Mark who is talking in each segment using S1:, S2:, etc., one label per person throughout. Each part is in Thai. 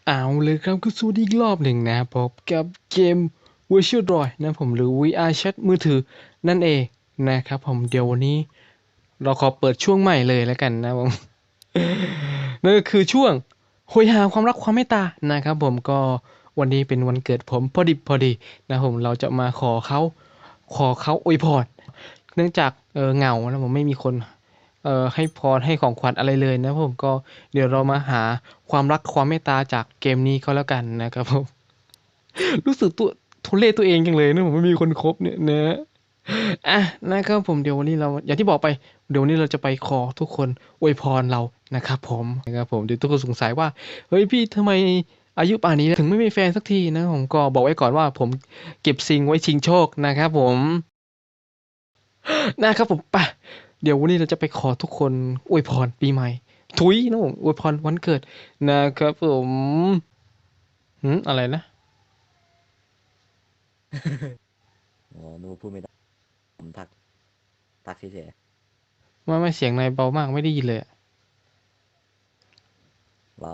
S1: เอาเลยครับก็สวัสดีอีกรอบหนึ่งนะพบกับเกม Virtual Droid นะผมหรือ VR Chat มือถือนั่นเองนะครับผมเดี๋ยววันนี้เราขอเปิดช่วงใหม่เลยแล้วกันนะผม นั่นก็คือช่วงโหยหาความรักความเมตตานะครับผมก็วันนี้เป็นวันเกิดผมพอดีนะผมเราจะมาขอเขาอวยพรเนื่องจากเหงานะผมไม่มีคนให้พรให้ของขวัญอะไรเลยนะผมก็เดี๋ยวเรามาหาความรักความเมตตาจากเกมนี้ก็แล้วกันนะครับผมรู้สึกตัวทุเรศตัวเองจังเลยนะผมไม่มีคนคบเนี่ยนะอ่ะนะครับผมเดี๋ยววันนี้เราอย่างที่บอกไปเดี๋ยววันนี้เราจะไปขอทุกคนอวยพรเรานะครับผมนะครับผมเดี๋ยวทุกคนสงสัยว่าเฮ้ยพี่ทำไมอายุป่านนี้ถึงไม่มีแฟนสักทีนะผมก็บอกไว้ก่อนว่าผมเก็บซิงไว้ชิงโชคนะครับผมนะครับผมไปเดี๋ยววันนี้เราจะไปขอทุกคนอวยพรปีใหม่ถุยนะผมอวยพรวันเกิดนะครับผมอะไรนะ
S2: อ๋อนึกว่าพูดไม่ได้ผมทักเฉย
S1: ไม่เสียงนายเบามากไม่ได้ยินเลยอะ
S2: ๆเหรอ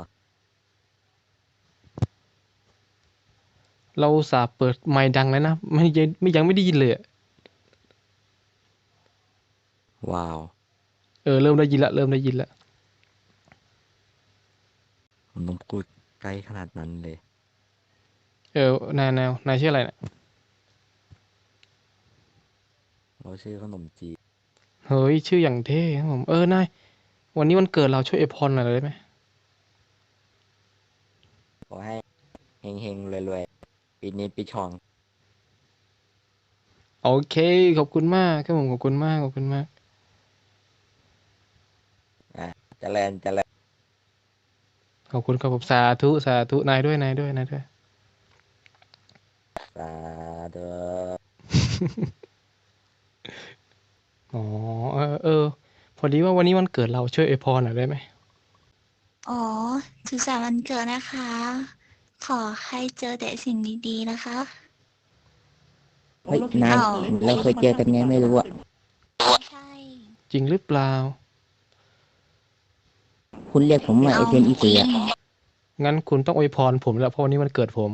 S1: เราอุตส่าห์เปิดไมค์ดังแล้วนะยังไม่ได้ยินเลยอะ
S2: ว้าว
S1: เริ่มได้ยินละเริ่มได้ยินละ
S2: ผมต้องพูดใกล้ขนาดนั้นเลย
S1: นายชื่ออะไรเนี่ย
S2: เราชื่อขนมจีบ
S1: เฮ้ยชื่ออย่างเท่ครับผมนายวันนี้วันเกิดเราช่วยอวยพรหน่อยได้ไหม
S2: ขอให้เฮงๆรวยๆปีนี้ปีชอง
S1: โอเคขอบคุณมากครับผมขอบคุณมาก
S2: อ่ะเจริญ
S1: ขอบคุณครับผมสาธุนายด้วย
S2: สาธุ
S1: อ๋อพอดีว่าวันนี้วันเกิดเราช่วยอวยพรหน่อยได้ไหม
S3: อ๋อสุขสันต์วันเกิดนะคะ ขอให้เจอแต่สิ่งดีๆนะคะ
S2: เฮ้ยนาย
S3: อ้าว
S2: เราเคยเจอกันไงไม่รู้อะ
S3: ใช่
S1: จริงหรือเปล่า
S2: คุณเรียกผมว่าไอ
S3: เอา
S2: เทนอี
S3: จริ
S2: เสือ
S3: ง
S1: งั้นคุณต้องอวยพรผมแล้วเพราะวันนี้วันเกิดผม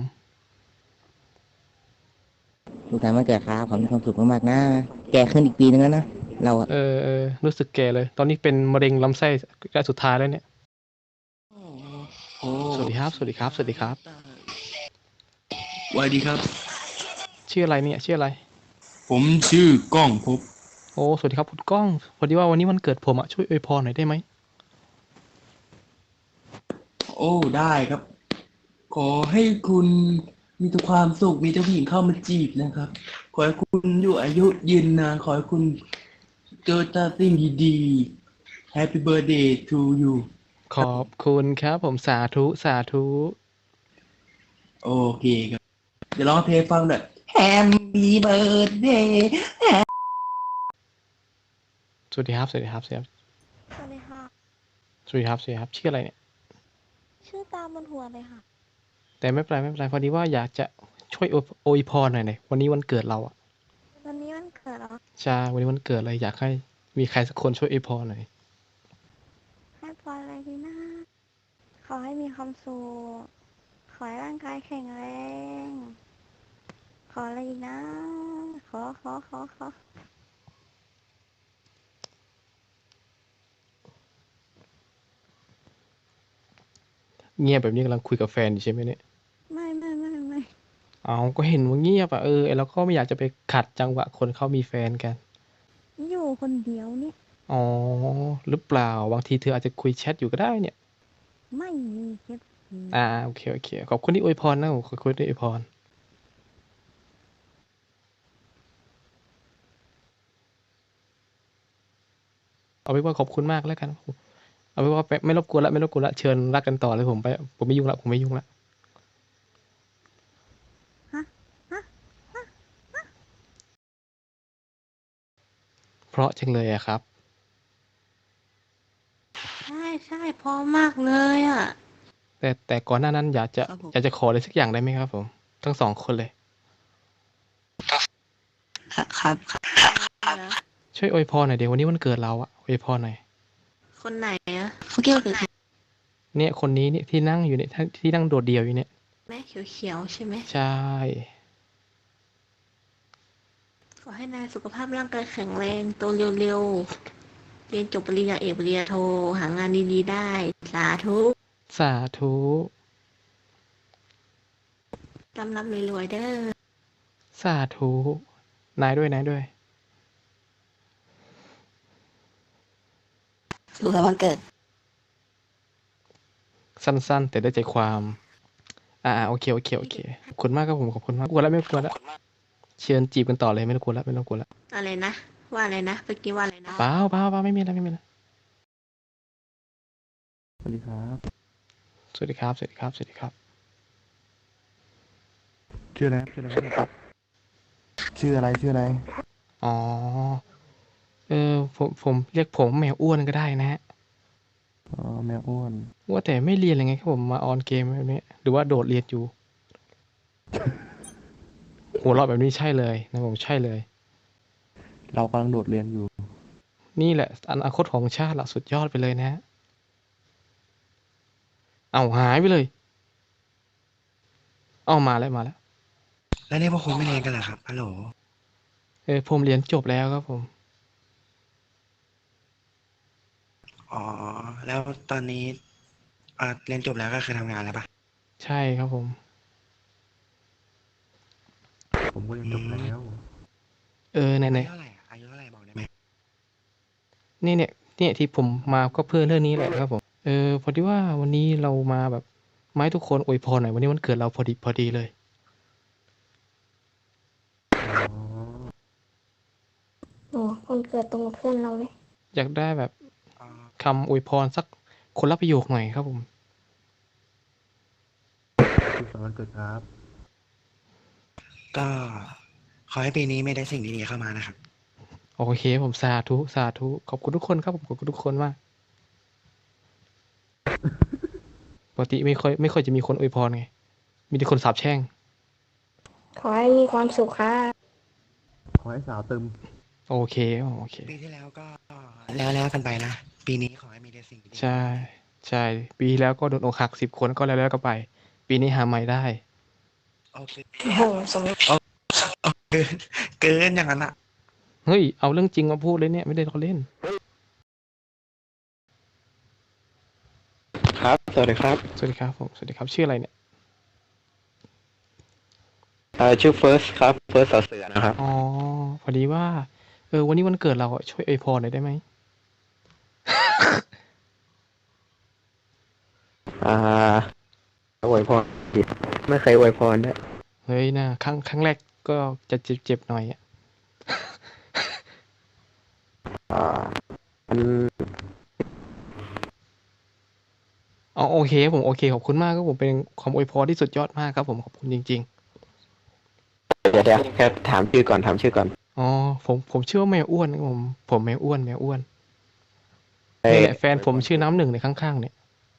S2: ทุกท่านมาเกิดครับขอให้มีความสุขมากๆนะแก่ขึ้นอีกปีนึงแล้วนะเราอะ
S1: รู้สึกแก่เลยตอนนี้เป็นมะเร็งลำไส้ระยะสุดท้ายแล้วเนี่ยสวัสดีครับ
S4: สวัสดีครับ
S1: ชื่ออะไรเนี่ยชื่ออะไร
S4: ผมชื่อกล้องภพ
S1: โอ้สวัสดีครับคุณก้องพอดีว่าวันนี้วันเกิดผมช่วยอวยพรหน่อยได้ไหม
S4: โอ้ได้ครับ ขอให้คุณมีแต่ความสุขมีแต่ผู้หญิงเข้ามาจีบนะครับ ขอให้คุณอยู่อายุยืนนานขอให้คุณเจอแต่สิ่งดีๆ Happy birthday to you
S1: ขอบคุณครับผมสาธุ
S4: โอเคครับ เดี๋ยวร้องเพลงฟังหน่อย Happy birthday
S1: สวัสดีครับ
S5: สวัสดีค่ะ
S1: สวัสดีครับชื่ออะไรเนี่ย
S5: ชื่อตามบนหัวเลยค่ะ
S1: แต่ไม่เป็นไรพอดีว่าอยากจะช่วยอวยพรหน่อยวันนี้วันเกิดเรา
S5: วันนี้วันเกิดเหรอ
S1: ใช่วันนี้วันเกิดเลยอยากให้มีใครสักคนช่วยอวยพรหน่อย
S5: ให้พรอะไรดีนะ ขอให้มีความสุข ขอให้ร่างกายแข็งแรง ขออะไรอีกนะ ขอ
S1: เงียบแบบนี้กำลังคุยกับแฟนอยู่ใช่ไหมเนี่ย
S5: ไม่
S1: เอาก็เห็นว่าเงียบเราก็ไม่อยากจะไปขัดจังหวะคนเขามีแฟนกัน
S5: อยู่คนเดียวเนี่ย
S1: อ๋อหรือเปล่าบางทีเธออาจจะคุยแชทอยู่ก็ได้เนี่ย
S5: ไม่มีเคส
S1: โอเคขอบคุณที่อวยพรนะขอบคุณที่อวยพร เอาไว้ว่าขอบคุณมากแล้วกันเอาไว้ว่าไม่รบกวนละเชิญรักกันต่อเลยผมไม่ยุ่งละ
S5: ฮะ
S1: เพราะจังเลยอะครับ
S3: ใช่พอมากเลยอ่ะ
S1: แต่ก่อนหน้านั้นอยากจะขออะไรสักอย่างได้ไหมครับผมทั้งสองคนเลย
S3: ครับนะ
S1: ช่วยอวยพรหน่อยเดี๋ยววันนี้วันเกิดเราอวยพรหน่อย
S3: คนไหนอ่ะเขาเกี่ยวกับ
S1: เนี่ยคนนี้เนี่ยที่นั่งอยู่เนี่ยที่นั่งโดดเดี่ยวอยู่เนี่ย
S5: แม่เขียวๆใช่ไหม
S1: ใช่
S5: ขอให้นายสุขภาพร่างกายแข็งแรงโตเร็วๆเรียนจบปริญญาเอกปริญญาโทหางานดีๆได้สาธุ
S1: สาธุ
S5: ร่ำรวยๆเด้อ
S1: สาธุ นายด้วยนายด้วย
S5: สุขสันต์วันเกิด
S1: สั้นๆ แต่ได้ใจความ โอเค ขอบคุณมากครับผม ขอบคุณมากกวนแล้วไม่กวนแล้ว เชิญจีบกันต่อเลยไม่ต้องกวนแล้วไม่ต้องกวนแล้ว
S5: อะไรนะ ว่าอะไรนะเมื่อกี้ว่าอะไรนะ
S1: เปล่าไม่มีอะไรไม่มีอะไร
S2: สวัสดีครับ
S1: สวัสดีครับ สวัสดีครับ สวัสดีครับ
S2: ชื่ออะไรครับชื่ออะไร
S1: อ๋อ ผมเรียกผมแมวอ้วนก็ได้นะฮะ
S2: อ๋อแมวอ้วน
S1: ว่าแต่ไม่เรียนอะไรไงครับผมมาออนเกมแบบนี้ หรือว่าโดดเรียนอยู่ หัวเราะแบบนี้ใช่เลยนะผมใช่เลย
S2: เรากำลังโดดเรียนอยู่
S1: นี่แหละอนาคตของชาติละสุดยอดไปเลยนะฮะ เอาหายไปเลย เอามาแล้ว
S6: แล้วนี่พวกคุณไม่เรียนกันเหรอครับฮัลโหล
S1: ผมเรียนจบแล้วครับผม
S6: อ๋อ แล้วตอนนี้เรียนจบแล้วก็คือทำงานแล้วปะ
S1: ใช่ครับผม
S2: ผมก็เรียนจบแล้ว
S1: ไหน
S6: อายุเท่าไหร่อะอายุเท่าไหร่บอกได้ไหม
S1: เนี่ยที่ผมมาก็เพื่อเรื่องนี้แหละครับผม พอดีว่าวันนี้เรามาแบบมาให้ทุกคนอวยพรหน่อยวันนี้วันเกิดเราพอดีเลย
S5: โอ้คนเกิดตรงกับเพื่อนเราเลย
S1: อยากได้แบบ
S6: อ๋อ
S1: คำอวยพรสักคนละประโยคหน่อยครับผม
S2: สุขสันต์วันเกิดครับ
S6: ก็ขอให้ปีนี้ไม่ได้สิ่งดีๆเข้ามานะครับ
S1: โอเคผมสาธุขอบคุณทุกคนครับผมขอบคุณทุกคนมากปกติไม่ค่อยจะมีคนอวยพรไงมีแต่คนสาปแช่ง
S5: ขอให้มีความสุขค่ะ
S2: ขอให้สาวตึม
S1: โอเค
S6: ปีที่แล้วก็แล้วกันไปนะ ปีนี้ขอให้มีแต่สิ่งดีๆ
S1: ใช่ปีที่แล้วก็โดนอกหัก10 คนก็แล้วก็ไป ปีนี้หาใหม่ได้
S6: โอเค
S5: โอ้โหสม
S6: เกินอย่างนั้นอะ
S1: เฮ้ยเอาเรื่องจริงมาพูดเลยเนี่ยไม่ได้ล้อเล่น
S6: ครับ สวัสดีครับ
S1: สวัสดีครับผมสวัสดีครับชื่ออะไรเนี่ย
S6: ชื่อเฟิร์สครับเฟิร์สเสือนะครับ
S1: อ๋อพอดีว่าวันนี้วันเกิดเราอะช่วยอวยพรหน่อยได้ไหม
S6: อวยพรผิดไม่เคยอวยพรด้วย
S1: เฮ้ยนะครั้งแรกก็จะเจ็บหน่อยอะ
S6: มัน
S1: อ๋อโอเคผมโอเคขอบคุณมากครับผมเป็นความอวยพรที่สุดยอดมากครับผมขอบคุณจริง
S6: เดี๋ยวแค่ถามชื่อก่อน
S1: ๆอ๋อผมชื่อว่าแมวอ้วนครับผมแมวอ้วนนี่แหละแฟนผมชื่อน้ำหนึ่งในข้างๆเนี่ย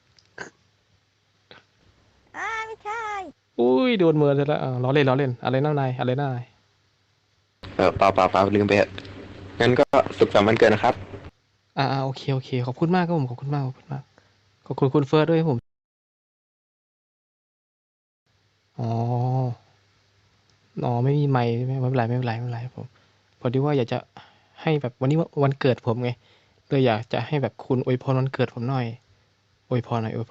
S5: ไม่ใช่
S1: อุ้ยโดนเมินซะแล้วล้อเล่นอะไรน้านาย
S6: เปล่าลืมไปเถอะงั้นก็สุขสันต์วันเกิดนะครับ
S1: โอเคขอบคุณมากครับผมขอบคุณมากขอบคุณคุณเฟิร์สด้วยครับผมอ๋อไม่มีไมค์ไม่เป็นไรผมพอดีว่าอยากจะให้แบบวันนี้วันเกิดผมไงเลยอยากจะให้แบบคุณอวยพรวันเกิดผมหน่อยอวยพรหน่อย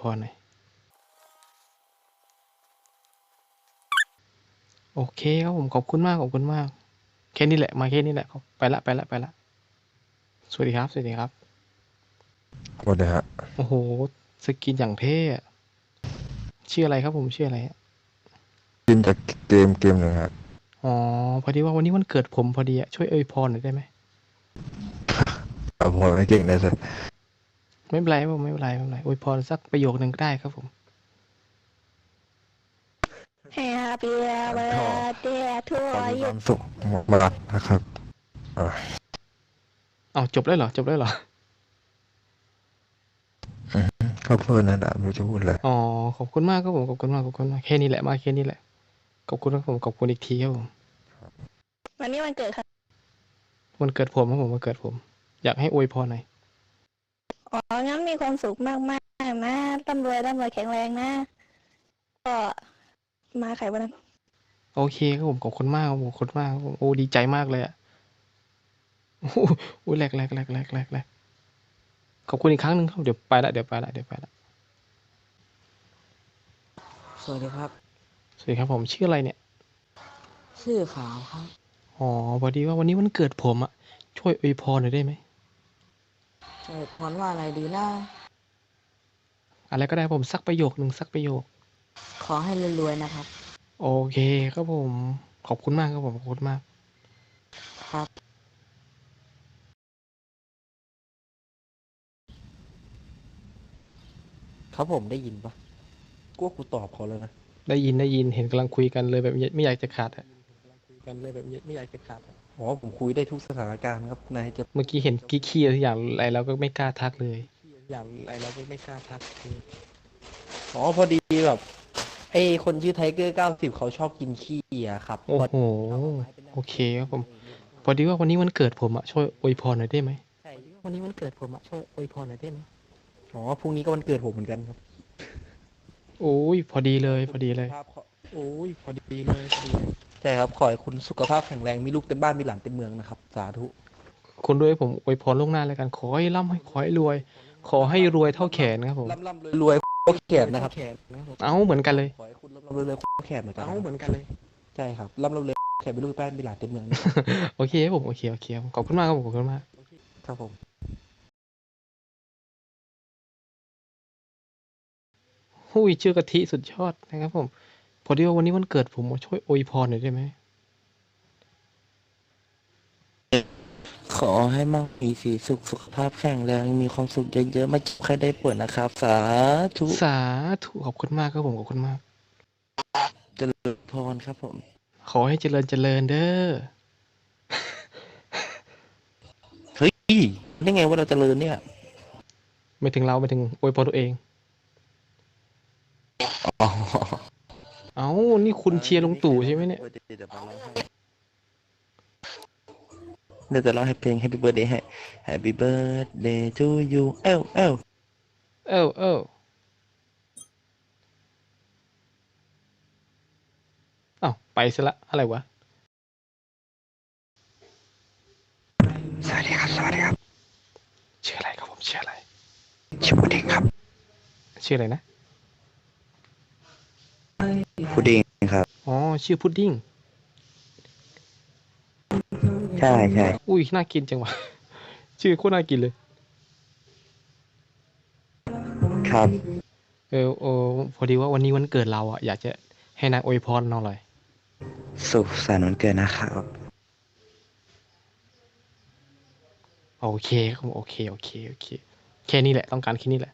S1: โอเคครับผมขอบคุณมากแค่นี้แหละมาแค่นี้แหละครับไปละสวัสดีครับ
S7: สวัสดีฮะ
S1: โอ้โหสกินอย่างเท่อะชื่ออะไรครับผมชื่ออะไรอะ
S7: กินจากเกมหนึ่งฮะ
S1: อ๋อพอดีว่าวันนี้วันเกิดผมพอดีอะช่วยอวยพรหน่อยได้ไหม
S7: ผมไม่เก่งเลยสิ
S1: ไม่เป็นไรผมไม่เป็นไรอวยพรสักประโยคนึงก็ได้ครับผม
S5: Happy birthday to
S7: ขอมีค
S5: you
S7: วามสุขมากๆนะครับ
S1: เอาจบแล้วเหรอ
S7: ขอบคุณนะดาไม่รู้จะพูดเลย
S1: อ๋อขอบคุณมากครับผมขอบคุณมากแค่นี้แหละมาแค่นี้แหละขอบคุณครับผมขอบคุณอีกทีครับผม
S5: วันนี้วันเกิดค่ะ
S1: วันเกิดผมครับผมวันเกิดผม อยากให้อวยพรหน่อย
S5: อ๋อ งั้นมีความสุขมากงนะร่ำรวยแข็งแรงนะ ก็มาไขวันนั้น
S1: โอเคครับผมขอบคุณมากครับผมขอบคุณมากครับผมโอ้ดีใจมากเลยอะโอ้โหโอ้ยแหลกขอบคุณอีกครั้งหนึ่งครับเดี๋ยวไปละเดี๋ยวไปละ
S2: สวัสดีครับ
S1: สวัสดีครับผมชื่ออะไรเนี่ย
S2: ชื่อขาวครับ
S1: อ๋อพอดีว่าวันนี้วันเกิดผมอะช่วยอวยพรหน่อยได้ไหม
S2: ใช่พรว่าอะไรดีนะ
S1: อะไรก็ได้ผมสักประโยคหนึ่งสักประโยค
S2: ขอให้รวยๆนะครับ
S1: โอเคครับผมขอบคุณมากครับผมขอบคุณมาก
S2: ครับ
S8: ครับผมได้ยินปะกลัวกูตอบเขาแล้วนะ
S1: ได้ยินเห็นกำลังคุยกันเลยแบบไม่อยากจะขาดอะ
S8: กันเลยแบบไม่อยากจะขาดอะอ๋อผมคุยได้ทุกสถานการณ์ครับนายจะ
S1: เมื่อกี้เห็นกี้ขี้อะไรทุกอย่างอะไรแล้วก็ไม่กล้าทักเลย
S8: อย่างไรเราไม่กล้าทักอ๋อพอดีแบบไอ้คนชื่อไทเกอร์90เขาชอบกินขี้อะครับ
S1: โอ้โหโอเคครับผมพอดีว่าวันนี้วันเกิดผมอะช่วยอวยพรหน่อยได้ไหม
S8: ใช่วันนี้วันเกิดผมอะช่วยอวยพรหน่อยได้ไหมอ๋อพรุ่งนี้ก็วันเกิดผมเหมือนกันครับ
S1: โอ้ยพอดีเลย
S8: ครับโอ้ยพอดีเลยใช่ครับขอให้คุณสุขภาพแข็งแรงมีลูกเต็มบ้านมีหลานเต็มเมืองนะครับสาธุ
S1: คุณด้วยผมอวยพรล่วงหน้าแล้วกันขอให้ร่ำให้ขอให้รวย ขอให้รวยเท่าแขนครับผม
S8: ร่ำรวยโคตรแขนนะครับ
S1: เอ้าเหมือนกันเลย
S8: ขอให้คุณร่ำรวยโคตรแขนเหมือนกันเหมือนกันเลยใช่ครับร่ำรวยแขนมีลูกบ้านมีหลานเต็มเมืองนะครับ
S1: โอเคครับผมโอเคครับขอบคุณมากครับผมขอบคุณมาก
S8: ครับผม
S1: หุ้ยชื่อกะทิสุดยอดนะครับผมพอดีว่าวันนี้วันเกิดผมมาช่วยอวยพรหน่อยได้ไหม
S2: ขอให้มั่งมีสีสุขสุขภาพแข็งแรงมีความสุขเยอะๆไม่เจ็บใครได้ป่วยนะครับ สาธุ
S1: สาธุขอบคุณมากครับผมขอบคุณมาก
S2: เจริญพรครับผม
S1: ขอให้เจริญเด้อ
S2: เฮ้ยได้ไงว่าเราเจริญเนี่ย
S1: ไม่ถึงเราไม่ถึงอวยพรตัวเอง
S2: อ๋อ
S1: เอ้านี่คุณเชียร์ลุงตู่ใช่ไหมเนี่ย
S2: เดี๋ยวจะร้องให้เพลง Happy Birthday ให้ Happy Birthday to you เอ้า
S1: เอ้าอ้าวไปซะละอะไรวะ
S6: สวัสดีครับ
S1: ชื่ออะไรครับผมชื่ออะไร
S6: ชื่อพุดดิ้งครับ
S1: ชื่ออะไรนะ
S6: พุดดิ้งครับ
S1: อ๋อชื่อพุดดิ้ง
S6: ใช่
S1: อุ้ยน่ากินจังวะ ชื่อโคตรน่ากินเลย
S6: ครับ
S1: พอดีว่าวันนี้วันเกิดเราอ่ะอยากจะให้นายอวยพรเราหน่อย
S6: สุขสันต์วันเกิดนะครับ
S1: โอเคครับผมโอเคแค่นี้แหละต้องการแค่นี้แหละ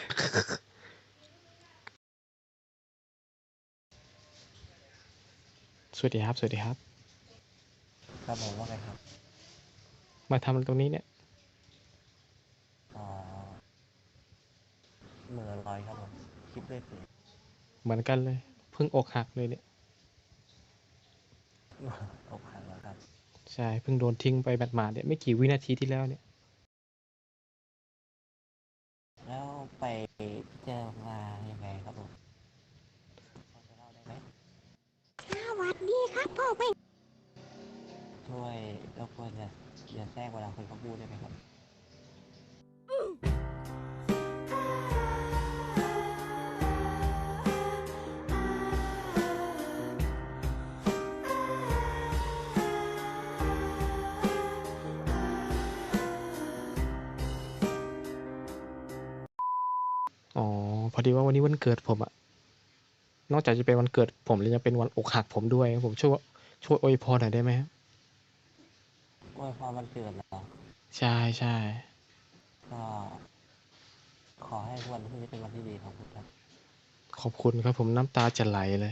S1: สวัสดีครับ
S8: ครับผมว่าไงครับ
S1: มาทำอะไรตรงนี้เนี่ย
S8: อ๋อเหมือลอยครับผมคิดด้วยสิ
S1: เหมือนกันเลย เพิ่งอกหักเลยเนี่ย
S8: อกหักแล้วครับ
S1: ใช่เพิ่งโดนทิ้งไปหมาดๆเนี่ยไม่กี่วินาทีที่แล้วเนี่ย
S8: แล้วไปเจอมายังไงครับผมพอจะเล่าได้ไหม
S5: สวัสดีครับพ่อแม่
S8: ช่วยรบกวนอย่าแทรกเวลาคนเขาพูดได้ไหมครับ
S1: อ๋อพอดีว่าวันนี้วันเกิดผมอะนอกจากจะเป็นวันเกิดผมแล้วยังเป็นวันอกหักผมด้วยครับผมช่วยอวยพรหน่อยได้ไหมครับ
S8: อวยพรวันเกิดเหรอ
S1: ใช่
S8: ก็ขอให้วันพรุ่งนี้เป็นวันที่ดีของคุณครับ
S1: ขอบคุณครับผมน้ำตาจะไหลเลย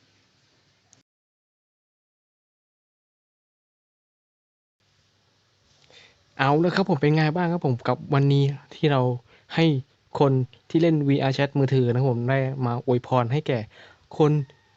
S1: เอาแล้วครับผมเป็นไงบ้างครับผมกับวันนี้ที่เราให้คนที่เล่น VR Chat มือถือนะครับผมได้มาอวยพรให้แก่คน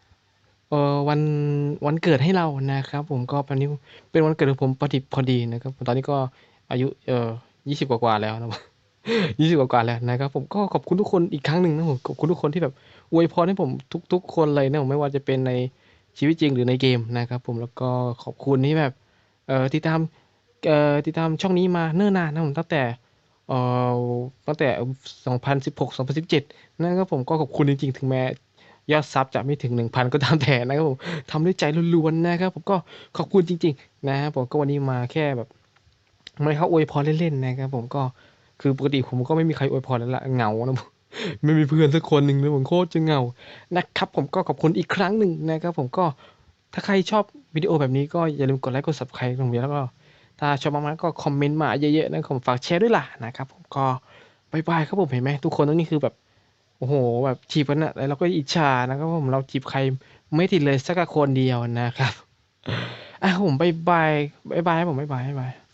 S1: วันเกิดให้เรานะครับผมก็วันนี้เป็นวันเกิดของผมพอดีนะครับตอนนี้ก็อายุ20 กว่าๆแล้วนะครับ 20กว่าๆแล้วนะครับผมก็ขอบคุณทุกคนอีกครั้งหนึ่งนะผมขอบคุณทุกคนที่แบบอวยพรให้ผมทุกๆคนเลยนะผมไม่ว่าจะเป็นในชีวิตจริงหรือในเกมนะครับผมแล้วก็ขอบคุณที่แบบติดตามติดตามช่องนี้มาเนิ่นนานนะผมเอ่อตั้งแต่2016 2017นะครับผมก็ขอบคุณจริงๆถึงแม้ยอดซับจะไม่ถึง 1,000 ก็ตามแต่นะครับผมทำด้วยใจล้วนๆนะครับผมก็ขอบคุณจริงๆนะครับผมก็วันนี้มาแค่แบบไม่เข้าอวยพรเล่นๆนะครับผมก็คือปกติผมก็ไม่มีใครอวยพรแล้วล่ะเหงานะผม ไม่มีเพื่อนสักคนหนึ่งเลยผมโคตรจะเหงานะครับผมก็ขอบคุณอีกครั้งหนึ่งนะครับผมก็ถ้าใครชอบวิดีโอแบบนี้ก็อย่าลืมกดไลค์กด subscribe ตรงนี้แล้วก็ถ้าชอบมากๆก็คอมเมนต์มาเยอะๆนะผมฝากแชร์ด้วยล่ะนะครับผมก็บายบายครับผมเห็นไหมทุกคนตรงนี้คือแบบโอ้โหแบบจีบกันอะแล้วเราก็อิจฉานะครับผมเราจีบใครไม่ติดเลยสักคนเดียวนะครับผมบายบายครับผมบายบาย